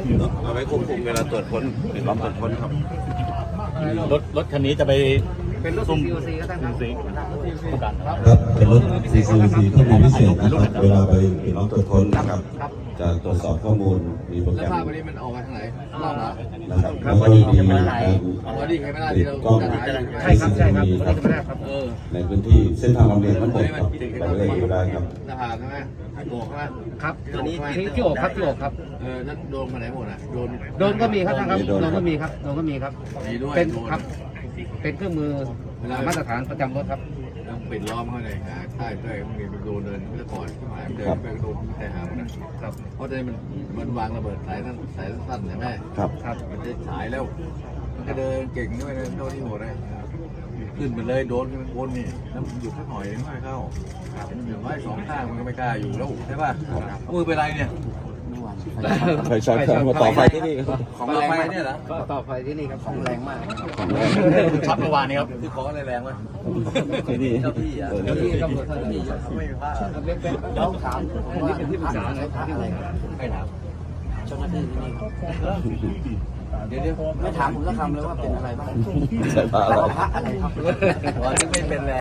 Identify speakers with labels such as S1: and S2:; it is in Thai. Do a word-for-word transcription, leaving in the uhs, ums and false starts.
S1: เอาไว้ควบคุมเวลาตรวจค้นหรือล้อมตรวจค้นครับ
S2: รถรถคันนี้จะไป
S3: เป็นรถ
S2: ซุ่ม
S3: ซี โอ ซีก็ตั้งครับ
S2: ผู้การครับ
S4: ครับเป็นรถ ซี ซี ซี ที่มีพิเศษนะครับเวลาไปปิดล้อมตรวจค้นนะครับจะตรวจสอบข้อมูลมีโปรแก
S3: แล้ว
S4: รม
S3: ภาพวันนี้มันออกมาทางไหนรอบเหรอ
S4: นะครับแล้วก็มีการ
S3: อ๋อดีใครไม่ได้ที่เรา
S4: กล้อง
S3: จะถ่ายอยู่
S4: ใช่ครับใช่ครับวันนี้จะไม่ได้ครับ
S3: เออ
S4: ในพื้นที่เส้นทางลำเลียงทั้งหมดครับเราเลยอยู่ได้ครับ
S3: หน้าผากใช่ไหมโบกใช่ไหม
S5: ครับตัวนี้ที่ที่อกครับที่อกครับ
S3: เออนั่นโดนมาไหนหมดอ่ะโดน
S5: โดนก็มีครับท่านครับโดนก็มีครับโดนก็มีครับ
S3: มีด้วย
S5: เป็น
S3: โดน
S5: ครับ เป็นเครื่องมือมาตรฐานประจำรถครับ
S3: ต้องปิดล้อมเขาเลยหาใต้ใต้มันมีโดนเดินเมื่อก่อนที่หมายเดินไปโดนแต่หามันนะครับเพราะตอนนี้มันมันวางระเบิดสายสั้นสายสั้นใช่ไหม
S4: ครับ
S3: ครับมันจะฉายแล้วมันก็เดินเก่งด้วยนะโดนที่หัวเลยขึ้นไปเลยโดนขึ้นบนนี่แล้วมันหยุดสักหน่อยไม่เข้ามันอยู่ไว้สองข้างมันก็ไม่กล้าอยู่แล้วใช่ป่ะมือเป็นไรเนี่ย
S4: ไฟช็อตครับมาต่อไฟที่นี่ครับ
S3: ของแรงไหมเนี่ยเหรอ
S5: ก็ต่อไฟที่นี่ครับของแรงมาก
S4: ของแรง
S2: ช็อตเมื่อวานนี้ครับ
S3: คือของอะไรแรงวะ
S4: ที่นี่
S3: เจ้าที่อ่ะ
S5: เจ้าที่ตำรวจเท่านี้
S3: ไม่มีผ้า
S5: เราถามอันนี้เป็นที่ปรึกษาเลยที่อะไรครับ
S3: ใครถาม
S5: เจ้าหน้าที่ที่นี่ครับ
S3: เดี๋ยวเดี๋ยว
S5: ไม่ถามผมสักคำเลยว่าเป็นอะไรบ้าง
S4: ใช่ปะ
S5: พระอะไรครับ
S3: วันนี้ไม่เป็นแรง